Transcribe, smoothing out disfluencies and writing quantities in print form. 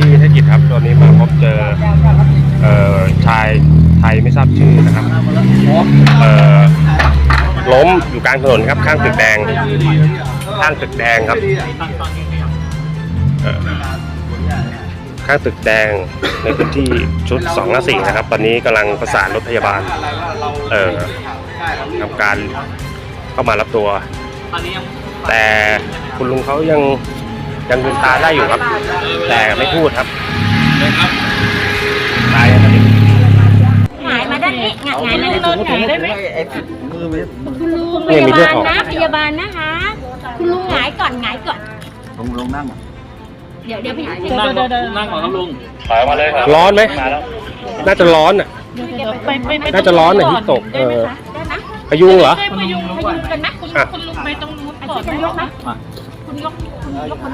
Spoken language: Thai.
ที่เทศกิจครับตอนนี้มาพบเจอชายไทยไม่ทราบชื่อนะครับล้มอยู่กลางถนนครับข้างตึกแดงครับข้างตึกแดงในพื้นที่ชุด2-4นะครับตอนนี้กำลังประสานรถพยาบาลทำการเข้ามารับตัวแต่คุณลุงเขายังลืมตาได้อยู่ครับแต่ไม่พูดครับตายตอนนี้หงายมาด้านนี้หงายมาด้านนี้ได้ไหมคุณลุงพยาบาลนะพยาบาลนะคะคุณลุงหงายก่อนลงนั่งเดี๋ยวพี่นั่งก่อนครับลุงถอยมาเลยครับร้อนไหมน่าจะร้อนอ่ะน่าจะร้อนอ่ะที่ตกพยุงเหรอพยุงกันนะคุณลุงไปตรงนู้นก่อนได้ไหมคุณยก